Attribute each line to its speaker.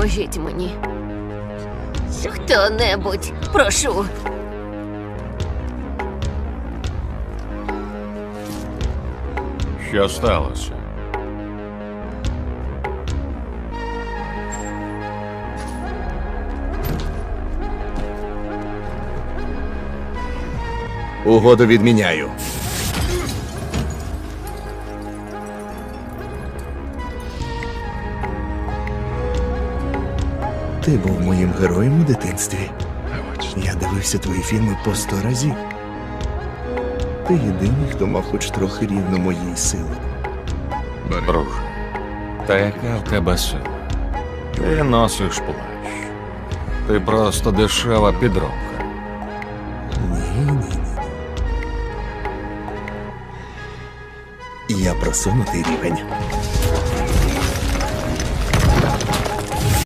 Speaker 1: Допоможіть мені. Хто-небудь, прошу.
Speaker 2: Що сталося?
Speaker 3: Угоду відміняю. Ти був моїм героєм у дитинстві. Я дивився твої фільми по 100 разів. Ти єдиний, хто мав хоч трохи рівно моїй сили.
Speaker 2: Друже, та яка в тебе сила? Ти носиш плащ. Ти просто дешева підробка.
Speaker 3: Ні. Я просунутий рівень.